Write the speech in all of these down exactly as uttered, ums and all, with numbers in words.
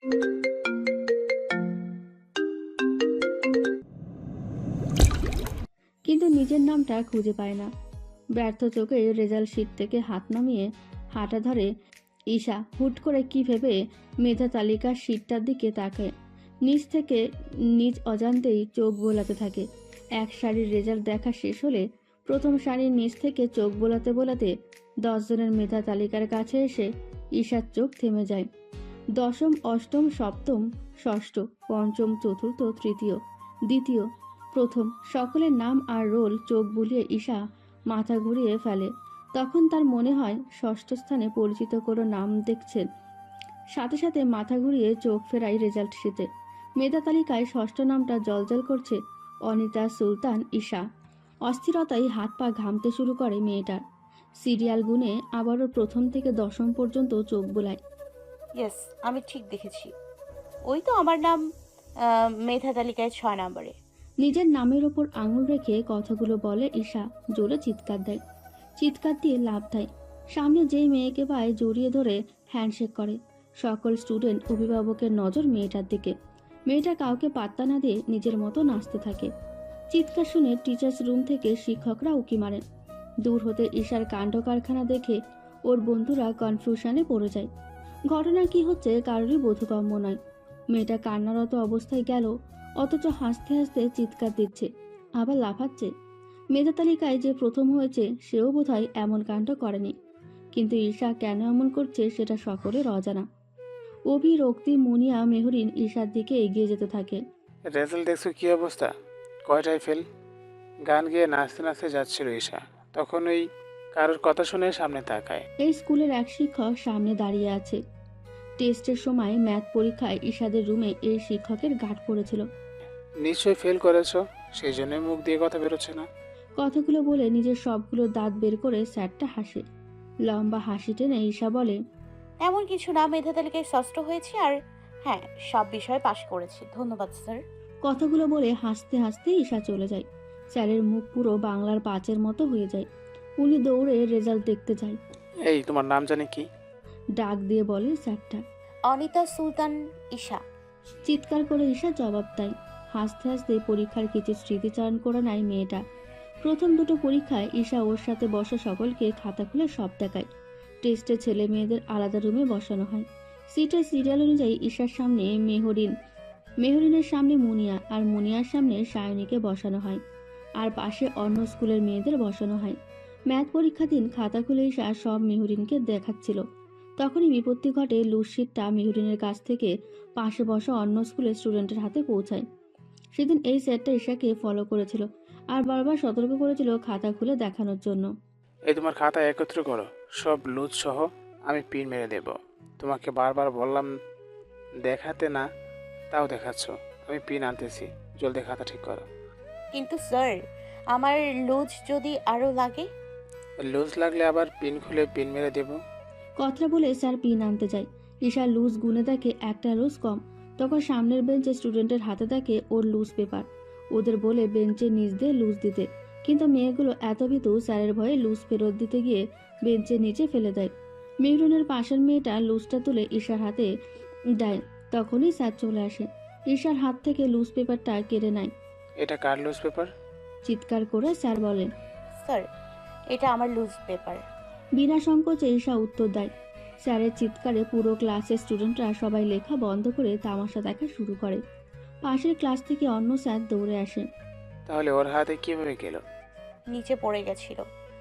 কিন্তু নিজের নামটা খুঁজে পায় না। ব্যর্থ চোখে রেজাল্ট শিট থেকে হাত নামিয়ে হাঁটা ধরে ঈশা। হুট করে কি ভেবে মেধা তালিকার শিটটার দিকে তাকায়। নিজ থেকে নিজ অজান্তেই চোখ বোলাতে থাকে। এক সারির রেজাল্ট দেখা শেষ হলে প্রথম সারির নিচ থেকে চোখ বোলাতে বোলাতে দশ জনের মেধা তালিকার কাছে এসে ঈশার চোখ থেমে যায়। দশম, অষ্টম, সপ্তম, ষষ্ঠ, পঞ্চম, চতুর্থ, তৃতীয়, দ্বিতীয়, প্রথম সকলের নাম আর রোল চোখ বুলিয়ে ঈশা মাথা ঘুরিয়ে ফেলে। তখন তার মনে হয় ষষ্ঠ স্থানে পরিচিত কোনো নাম দেখছেন। সাথে সাথে মাথা ঘুরিয়ে চোখ ফেরায় রেজাল্ট শিটে। মেধা তালিকায় ষষ্ঠ নামটা জলজল করছে অনিতা সুলতান ঈশা। অস্থিরতায় হাত পা ঘামতে শুরু করে মেয়েটার। সিরিয়াল গুনে আবারও প্রথম থেকে দশম পর্যন্ত চোখ বোলায়। ইয়েস, আমি ঠিক দেখেছি। ওই তো আমার নাম আহ, মেধা তালিকায় ছয় নম্বরে। নিজের নামের ওপর আঙুল রেখে কথাগুলো বলে ঈশা। জোরে চিৎকার দেয়। চিৎকার দিয়ে লাভ দেয়। সামনে যেই মেয়েকে পায় জড়িয়ে ধরে হ্যান্ডশেক করে। সকল স্টুডেন্ট অভিভাবকের নজর মেয়েটার দিকে। মেয়েটা কাউকে পাত্তা না দিয়ে নিজের মতো নাচতে থাকে। চিৎকার শুনে টিচার্স রুম থেকে শিক্ষকরা উকি মারেন। দূর হতে ঈশার কাণ্ড কারখানা দেখে ওর বন্ধুরা কনফিউশনে পড়ে যায়। ঘটনা কি হচ্ছে কারোরই বোধগম্য নয়। মেয়েটা কান্নারত অবস্থায় গেল, অথচ হাসতে হাসতে চিৎকার দিচ্ছে, আবার লাফাচ্ছে। মেধা তালিকায় যে প্রথম হয়েছে সেও বোধহয় এমন কাণ্ড করেনি। কিন্তু ঈশা কেন এমন করছে সেটা সকলের অজানা। অভি, রক্তি, মুনিয়া, মেহরিন ঈশার দিকে এগিয়ে যেতে থাকে। রেজাল্ট দেখছো কি অবস্থা? কয়টায় ফেল? গান গেয়ে নাচতে নাচতে যাচ্ছিল ঈশা, তখন ওই কারোর কথা শুনে সামনে তাকায়। এই স্কুলের এক শিক্ষক সামনে দাঁড়িয়ে আছে। টেস্টের সময় ম্যাথ পরীক্ষায় ঈশাদের রুমে এই শিক্ষকের গাঁট পড়েছিল। নিশ্চয়ই ফেল করেছো, সেই জন্যই মুখ দিয়ে কথা বেরোচ্ছে না। কথাগুলো বলে নিজের সবগুলো দাঁত বের করে স্যারটা হাসে। লম্বা হাসি টেনে ঈশা বলে, এমন কিছু না, মেধা তালিকায় ষষ্ঠ হয়েছি আর হ্যাঁ, সব বিষয়ে পাশ করেছি। ধন্যবাদ স্যার। কথাগুলো বলে হাসতে হাসতে ঈশা চলে যায়। স্যারের মুখ পুরো বাংলার পাঁচের মতো হয়ে যায়। উনি দৌড়ে রেজাল্ট দেখতে যায়। এই, তোমার নাম জানি কি? ডাক দিয়ে বলে স্যারটা। অনিতা সুলতান ঈশা। চিৎকার করে ঈশা জবাব দেয়। হাসতে হাসতে পরীক্ষার কিছু স্মৃতিচারণ করে নেয় মেয়েটা। প্রথম দুটো পরীক্ষায় ঈশা ওর সাথে বসা সকলকে খাতা খুলে সব দেখায়। টেস্টে ছেলে মেয়েদের আলাদা রুমে বসানো হয়। সিটের সিরিয়াল অনুযায়ী ঈশার সামনে মেহরিন, মেহরিনের সামনে মুনিয়া আর মুনিয়ার সামনে সায়নীকে বসানো হয়। আর পাশে অন্য স্কুলের মেয়েদের বসানো হয়। ম্যাথ পরীক্ষা দিন খাতা খুলে ঈশা সব মেহরিনকে দেখাচ্ছিল। তখনই বিপত্তি ঘটে। লুজশিটটা মেহরিনের কাছ থেকে পাশে বসা অন্য স্কুলের স্টুডেন্টের হাতে পৌঁছায়। সেদিন এই স্যারটা ঈশাকে ফলো করেছিল আর বারবার সতর্ক করেছিল খাতা খুলে দেখানোর জন্য। এই, তোমার খাতা একত্র করো, সব লুজ সহ। আমি পিন মেরে দেব। তোমাকে বারবার বললাম দেখাতে না, তাও দেখাচ্ছ। আমি পিন আনতেছি, জলদি খাতা ঠিক করো। কিন্তু স্যার, আমার লুজ যদি আরো লাগে? লুজ লাগলে আবার পিন খুলে পিন মেরে দেব। কথা বলে স্যার পিন আনতে যায়। ঈশা লুজ গুনে দেখে একটা লুজ কম। তখন সামনের বেঞ্চে স্টুডেন্টের হাতে দেখে ওর লুজ পেপার। ওদের বলে বেঞ্চের নিচ দিয়ে লুজ দিতে, কিন্তু মেয়েগুলো এত ভীতু স্যারের ভয়ে লুজ ফেরত দিতে গিয়ে বেঞ্চের নিচে ফেলে দেয়। মেহরুনের পাশের মেয়েটা লুজটা তুলে ঈশার হাতে দেয়। তখনই স্যার চলে আসে। ঈশার হাত থেকে লুজ পেপারটা কেড়ে নেয়। এটা কার লুজ পেপার? চিৎকার করে স্যার বলেন, স্যার, এটা আমার লুজ পেপার। বিনা সংকোচে ঈশা উত্তর দেয়। স্যারের চিৎকারে পুরো ক্লাসের স্টুডেন্টরা সবাই লেখা বন্ধ করে তামাশা দেখা শুরু করে। পাশের ক্লাস থেকে অন্য স্যার দৌড়ে আসে। তাহলে ওর হাতে কিভাবে গেল? নিচে পড়ে গেছিল,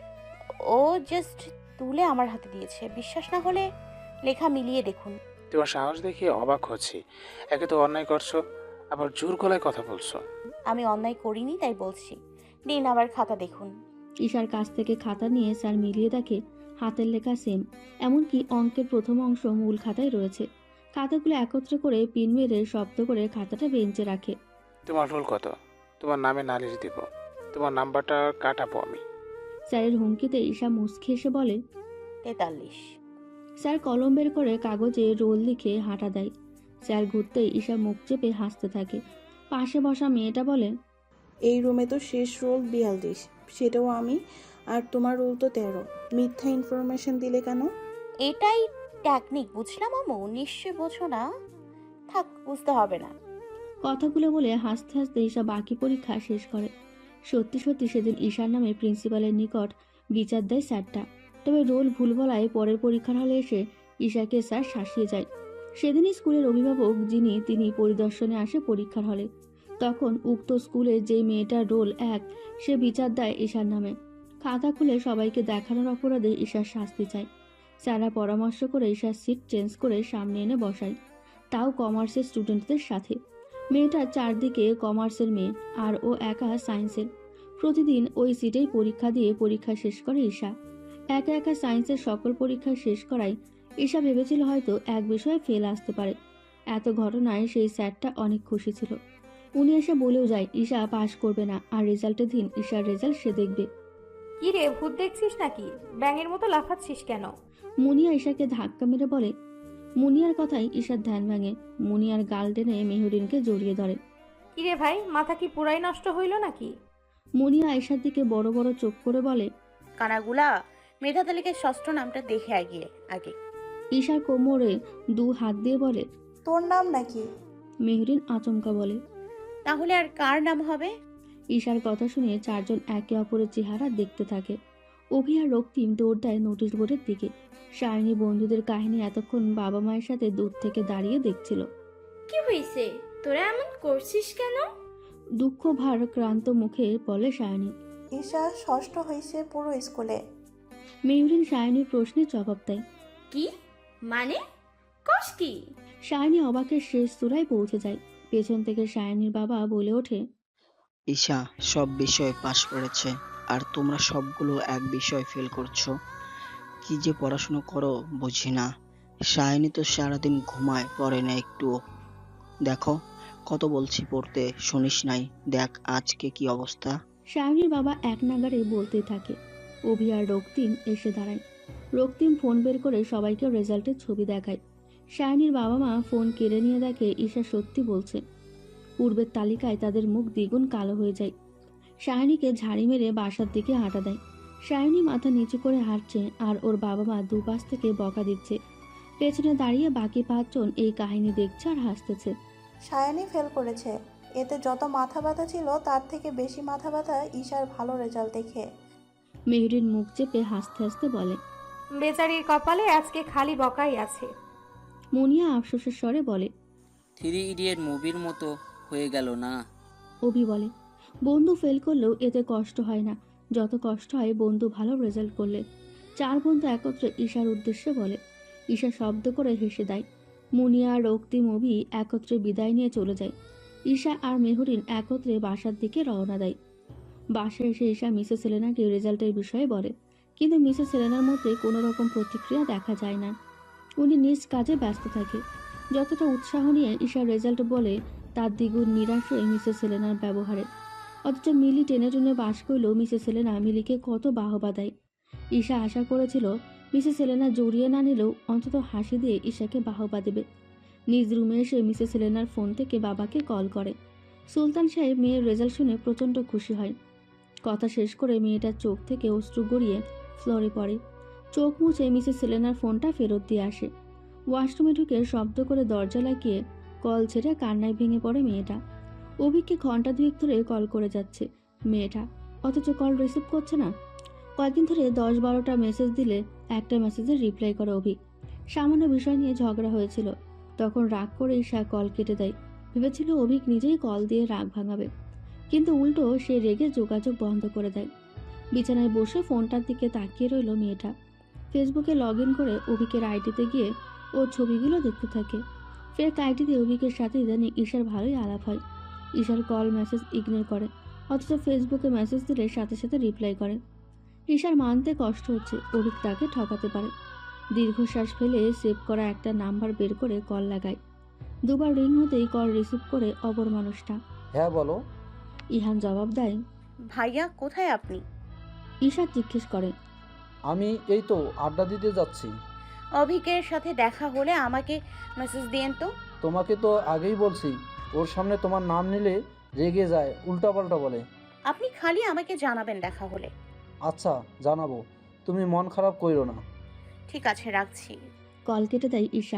ও জাস্ট তুলে আমার হাতে দিয়েছে। বিশ্বাস না হলে লেখা মিলিয়ে দেখুন। তোমার সাহস দেখে অবাক হচ্ছি। একে তো অন্যায় করছো, আবার জোর গলায় কথা বলছো। আমি অন্যায় করিনি তাই বলছি। নিন আবার খাতা দেখুন। ঈশার কাছ থেকে খাতা নিয়ে স্যার মিলিয়ে দেখে হাতের লেখা সেম। এমনকি অঙ্কের প্রথম অংশ মূল খাতায় রয়েছে। খাতাগুলো একত্রে করে পিন মেরে শব্দ করে খাতাটা বেঞ্চে রাখে। তোমার রোল কত? তোমার নামে নালিশ দিব। তোমার নাম্বারটা কাটাবো আমি। স্যারের হুমকিতে ঈশা মুচকি এসে বলে, তেতাল্লিশ। স্যার কলম বের করে কাগজে রোল লিখে হাঁটা দেয়। স্যার ঘুরতেই ঈশা মুখ চেপে হাসতে থাকে। পাশে বসা মেয়েটা বলে, এই রুমে তো শেষ রোল বিয়াল্লিশ, সেটাও আমি, আর তোমার রোল তো তেরো। মিথ্যা ইনফরমেশন দিলে কেন? এটাই টেকনিক, বুঝলাম আমু। নিশ্চয় বোঝো না, থাক, বুঝতে হবে না। কথাগুলো বলে হাসতে হাসতে ঈশা বাকি পরীক্ষা শেষ করে। সত্যি সত্যি সেদিন ঈশার নামে প্রিন্সিপালের নিকট বিচার দেয় স্যারটা। তবে রোল ভুল বলায় পরের পরীক্ষার হলে এসে ঈশাকে স্যার শাসিয়ে যায়। সেদিনই স্কুলের অভিভাবক যিনি তিনি পরিদর্শনে আসে পরীক্ষার হলে। তখন উক্ত স্কুলের যেই মেয়েটার রোল এক, সে বিচার দেয় ঈশার নামে। খাতা খুলে সবাইকে দেখানোর অপরাধে ঈশার শাস্তি চায়। স্যাররা পরামর্শ করে ঈশার সিট চেঞ্জ করে সামনে এনে বসায়, তাও কমার্সের স্টুডেন্টদের সাথে। মেয়েটার চারদিকে কমার্সের মেয়ে, আর ও একা সায়েন্সের। প্রতিদিন ওই সিটেই পরীক্ষা দিয়ে পরীক্ষা শেষ করে ঈশা। একা একা সায়েন্সের সকল পরীক্ষা শেষ করায় ঈশা ভেবেছিল হয়তো এক বিষয়ে ফেল আসতে পারে। এত ঘটনায় সেই স্যারটা অনেক খুশি ছিল। উনি এসে বলেও যায় ঈশা পাশ করবে না, আর রেজাল্টের দিন ঈশার রেজাল্ট সে দেখবে। কি রে, ভূত দেখছিস নাকি? ব্যাঙের মতো লাফাচ্ছিস কেন? মুনিয়া ঈশাকে ধাক্কা মেরে বলে। মুনিয়ার কথাই ঈশার ধ্যান ভাঙে। মুনিয়ার গাল টেনে মেহরিনকে জড়িয়ে ধরে। কি রে ভাই, মাথা কি পুরাই নষ্ট হইল নাকি? মুনিয়া ঈশার দিকে বড় বড় চোখ করে বলে। কানাগুলা, মেধা তালিকায় ষষ্ঠ নামটা দেখে আগিয়ে আগে। ঈশার কোমরে দু হাত দিয়ে বলে। তোর নাম নাকি? মেহরিন আচমকা বলে। তাহলে আর কার নাম হবে? ঈশার কথা শুনে চারজন একে অপরের চেহারা দেখতে থাকে। অভি আর রক্তিম দৌড় দেয় নোটিশ বোর্ডের দিকে। সায়নী বন্ধুদের কাহিনী এতক্ষণ বাবা মায়ের সাথে দূর থেকে দাঁড়িয়ে দেখছিল। কি হয়েছে, তোরা এমন করছিস কেন? দুঃখ ভার ক্রান্ত মুখে বলে সায়নী। ঈশা ষষ্ঠ হয়েছে পুরো স্কুলে। মেহরিন সায়নীর প্রশ্নের জবাব দেয়। কি মানে? কস কি? সায়নী অবাকের শেষ চূড়ায় পৌঁছে যায়। পেছন থেকে সায়নীর বাবা বলে ওঠে। ঈশা সব বিষয়ে পাশ করেছে, আর তোমরা সবগুলো এক বিষয় ফেল করছো। কি যে পড়াশোনা করো বুঝি না। সায়নী তো সারাদিন ঘুমায়, পড়ে না একটুও। দেখো কত বলছি পড়তে, শুনিস নাই? দেখ আজকে কি অবস্থা। সায়নীর বাবা এক নাগারে বলতেই থাকে। অভি আর রক্তিম এসে দাঁড়ায়। রক্তিম ফোন বের করে সবাইকে রেজাল্টের ছবি দেখায়। সায়নীর বাবা মা ফোন কেড়ে নিয়ে দেখে ঈশা সত্যি বলছে। পূর্বের তালিকায় তাদের মুখ দ্বিগুণ কালো হয়ে যায়। সায়নীকে ঝাড়ি মেরে বাসার দিকে হাঁটা দেয়। সায়নী মাথা নিচু করে হাঁটছে, আর ওর বাবা মা দুপাশ থেকে বকা দিচ্ছে। পেছনে দাঁড়িয়ে বাকি পাঁচজন এই কাহিনী দেখছে আর হাসতেছে। সায়ানি ফেল করেছে। এতে যত মাথা ব্যথা ছিল তার থেকে বেশি মাথা ব্যথা ঈশার ভালো রেজাল্ট দেখে। মেহরিন মুখ চেপে হাসতে হাসতে বলে। বেচারির কপালে আজকে খালি বকাই আছে। মুনিয়া আফসোসের স্বরে বলে। থ্রি ইডিয়েট মুভির মতো হয়ে গেল না? অভি বলে। বন্ধু ফেল করলেও এতে কষ্ট হয় না যত কষ্ট হয় বন্ধু ভালো রেজাল্ট করলে। চার বন্ধু একত্রে ঈশার উদ্দেশ্যে বলে। ঈশা শব্দ করে হেসে দেয়। মুনিয়া, রক্তিম, অভি একত্রে বিদায় নিয়ে চলে যায়। ঈশা আর মেহরিন একত্রে বাসার দিকে রওনা দেয়। বাসায় এসে ঈশা মিসেস সেলেনাকে রেজাল্টের বিষয়ে বলে, কিন্তু মিসেস সেলেনার মধ্যে কোনো রকম প্রতিক্রিয়া দেখা যায় না। উনি নিজ কাজে ব্যস্ত থাকে। যতটা উৎসাহ নিয়ে ঈশার রেজাল্ট বলে, তার দ্বিগুণ নিরাশ হয়ে মিসেস সেলেনার ব্যবহারে। অথচ মিলি টেনে টেনে বাস করলেও মিসেস সেলেনা মিলিকে কত বাহবা দেয়। ঈশা আশা করেছিল মিসেস সেলেনা জড়িয়ে না নিলেও অন্তত হাসি দিয়ে ঈশাকে বাহবা দেবে। নিজ রুমে এসে মিসেস সেলেনার ফোন থেকে বাবাকে কল করে। সুলতান সাহেব মেয়ের রেজাল্ট শুনে প্রচণ্ড খুশি হয়। কথা শেষ করে মেয়েটার চোখ থেকে অশ্রু গড়িয়ে ফ্লোরে পড়ে। চোখ মুছে মিসেস সেলেনার ফোনটা ফেরত দিয়ে আসে। ওয়াশরুমে ঢুকে শব্দ করে দরজা লাগিয়ে কল ছেড়ে কান্নায় ভেঙে পড়ে মেয়েটা। অভিককে ঘন্টা দুয়েক ধরে কল করে যাচ্ছে মেয়েটা, অথচ কল রিসিভ করছে না। কয়েকদিন ধরে দশ বারোটা মেসেজ দিলে একটা মেসেজের রিপ্লাই করে অভিক। সামান্য বিষয় নিয়ে ঝগড়া হয়েছিল, তখন রাগ করে ঈশা কল কেটে দেয়। ভেবেছিল অভিক নিজেই কল দিয়ে রাগ ভাঙাবে, কিন্তু উল্টো সে রেগে যোগাযোগ বন্ধ করে দেয়। বিছানায় বসে ফোনটার দিকে তাকিয়ে রইল মেয়েটা। ফেসবুকে লগ ইন করে অভিকের আইডিতে গিয়ে ওর ছবিগুলো দেখতে থাকে। ফের আইডিতে অভিকের সাথে ইদানিং ঈশার ভালোই আলাপ হয়। ঈশার কল মেসেজ ইগনোর করে, অথচ ফেসবুকে মেসেজ দিলে সাথে সাথে রিপ্লাই করে। ঈশার মানতে কষ্ট হচ্ছে অভিক তাকে ঠকাতে পারে। দীর্ঘশ্বাস ফেলে সেভ করা একটা নাম্বার বের করে কল লাগায়। দুবার রিং হতেই কল রিসিভ করে অপর মানুষটা। হ্যাঁ বলো। ইহান জবাব দেয়। ভাইয়া, কোথায় আপনি? ঈশা জিজ্ঞেস করে। আমি এই তো আড্ডা দিতে যাচ্ছি। অভিকের সাথে দেখা হলে আমাকে মেসেজ দিয়েন তো। তোমাকে তো আগেই বলছি, ওর সামনে তোমার নাম নিলে রেগে যায়, উল্টাপাল্টা বলে। আপনি খালি আমাকে জানাবেন দেখা হলে। আচ্ছা জানাবো, তুমি মন খারাপ কইরো না। ঠিক আছে, রাখছি। কল কেটে দেয় ঈশা।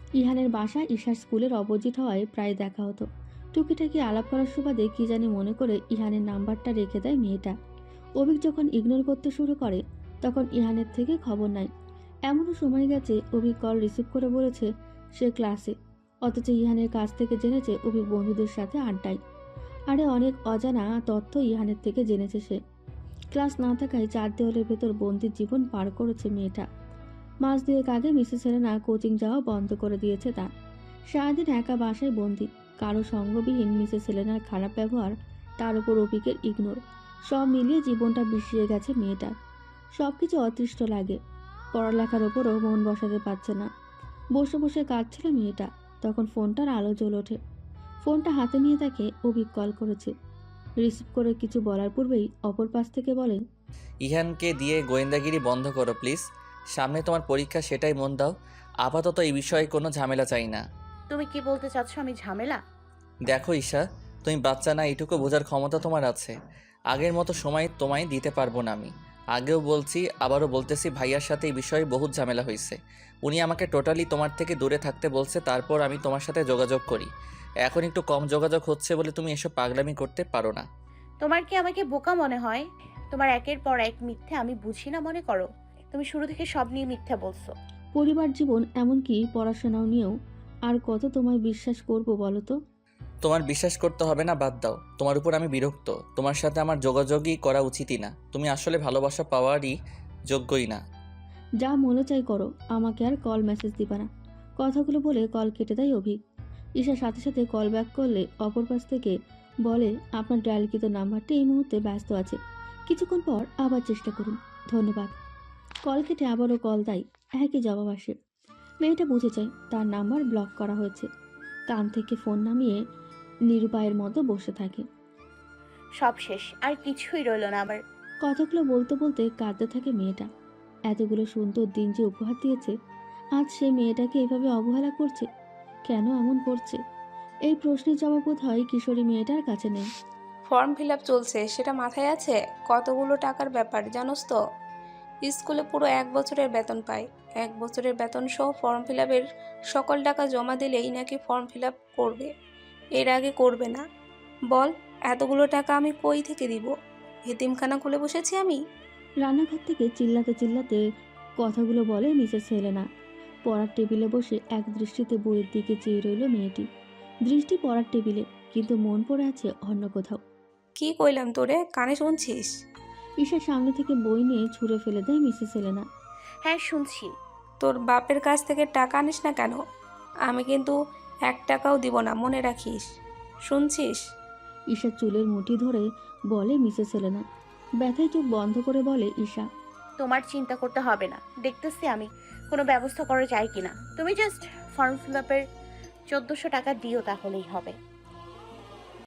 ইহানের বাসা ঈশার স্কুলের অপোজিট হওয়ায় প্রায় দেখা হতো। টুকিটাকি আলাপ করার সুবাদে কি জানি মনে করে ইহানের নাম্বারটা রেখে দেয় মেয়েটা। অভিক যখন ইগনোর করতে শুরু করে তখন ইহানের থেকে খবর নাই। এমনও সময় গেছে অভিক কল রিসিভ করে বলেছে সে ক্লাসে, অথচ ইহানের কাছ থেকে জেনেছে অভিক বন্ধুদের সাথে আড্ডায়। আরে অনেক অজানা তথ্য ইহানের থেকে জেনেছে সে। ক্লাস না থাকায় চার দেওয়ালের ভেতর বন্দির জীবন পার করেছে মেয়েটা। মাস দুয়েক আগে মিসেস সেলেনা কোচিং যাওয়া বন্ধ করে দিয়েছে তার। সারাদিন একা বাসায় বন্দি, কারো সঙ্গবিহীন মিসেস সেলেনার খারাপ ব্যবহার, তার উপর অভিকের ইগনোর, সব মিলিয়ে জীবনটা বিষিয়ে গেছে মেয়েটার। সব কিছু অতৃষ্ট লাগে, পড়ালেখার ওপরও মন বসাতে পারছে না। বসে বসে কাঁদছিল মেয়েটা, তখন ফোনটার আলো জ্বল ওঠে। ফোনটা হাতে নিয়ে তাকে অভিক কল করেছে। রিসিভ করে কিছু বলার পূর্বেই অপর পাশ থেকে বলেন, ইহানকে দিয়ে গোয়েন্দাগিরি বন্ধ করো প্লিজ। সামনে তোমার পরীক্ষা, সেটাই মন দাও। আপাতত এই বিষয়ে কোনো ঝামেলা চাই না। তুমি কি বলতে চাচ্ছ আমি ঝামেলা? দেখো ঈশা, তুমি বাচ্চা না, এইটুকু বোঝার ক্ষমতা তোমার আছে। আগের মতো সময় তোমায় দিতে পারবো না আমি। আগেও বলছি, আবারও বলতেছি, ভাইয়ার সাথে এই বিষয়ে বহুত ঝামেলা হয়েছে। উনি আমাকে টোটালি তোমার থেকে দূরে থাকতে বলছে, তারপর আমি তোমার সাথে যোগাযোগ করি। এখন একটু কম যোগাযোগ হচ্ছে বলে তুমি এসব পাগলামি করতে পারো না। তোমার কি আমাকে বোকা মনে হয়? তোমার একের পর এক মিথ্যে আমি বুঝি না মনে করো? তুমি শুরু থেকে সব নিয়ে মিথ্যা বলছো। পরিবার জীবন এমনকি পড়াশোনাও নিয়েও আর কত তোমায় বিশ্বাস করব বলো তো? তোমার বিশ্বাস করতে হবে না, বাদ দাও। তোমার উপর আমি বিরক্ত। তোমার সাথে আমার যোগাযোগই করা উচিতই না। তুমি আসলে ভালোবাসা পাওয়ারই যোগ্যই না। যা মনে চাই করো, আমাকে আর কল মেসেজ দিবা না। কথাগুলো বলে কল কেটে দেয় অভিক। ঈশার সাথে সাথে কল ব্যাক করলে অপর পাশ থেকে বলে, আপনার ডায়ালকৃত নাম্বারটি এই মুহূর্তে ব্যস্ত আছে, কিছুক্ষণ পর আবার চেষ্টা করুন, ধন্যবাদ। কল কেটে আবারও কল দেয়, একই জবাব আসে। মেয়েটা বুঝে যায় তার নাম্বার ব্লক করা হয়েছে। কান থেকে ফোন নামিয়ে নিরুপায়ের মতো বসে থাকে। সব শেষ, আর কিছুই রইল না আমার। কথাগুলো বলতে বলতে কাঁদতে থাকে মেয়েটা। এতগুলো সুন্দর দিন যে উপহার দিয়েছে, আজ সে মেয়েটাকে এভাবে অবহেলা করছে। কেন এমন করছে? এই প্রশ্নের জবাব বোধহয় কিশোরী মেয়েটার কাছে নেই। ফর্ম ফিল আপ চলছে, সেটা মাথায় আছে? কতগুলো টাকার ব্যাপার জানোস তো? স্কুলে পুরো এক বছরের বেতন পাই। এক বছরের বেতন সহ ফর্ম ফিল আপের সকল টাকা জমা দিলেই নাকি ফর্ম ফিল আপ করবে, এর আগে করবে না। বল, এতগুলো টাকা আমি কই থেকে দিব? এতিমখানা খুলে বসেছি আমি? রান্নাঘর থেকে চিল্লাতে চিল্লাতে কথাগুলো বলে মিসেস সেলেনা। পড়ার টেবিলে বসে এক দৃষ্টিতে বইয়ের দিকে চেয়ে রইল মেয়েটি। দৃষ্টি পড়ার টেবিলে, কিন্তু মন পড়ে আছে অন্য কোথাও। কি কইলাম তোরে, কানে শুনছিস? ঈশার সামনে থেকে বই নিয়ে ছুঁড়ে ফেলে দেয় মিসেস সেলেনা। হ্যাঁ শুনছি। তোর বাপের কাছ থেকে টাকা আনিস না কেন? আমি কিন্তু এক টাকাও দিব না, মনে রাখিস। শুনছিস? ঈশার চুলের মুঠি ধরে বলে মিসেস সেলেনা। ব্যথায় চোখ বন্ধ করে বলে ঈশা, তোমার চিন্তা করতে হবে না, দেখতেছি আমি কোনো ব্যবস্থা করা যায় কিনা। তুমি জাস্ট ফর্ম ফিল আপের চোদ্দোশো টাকা দিও, তাহলেই হবে।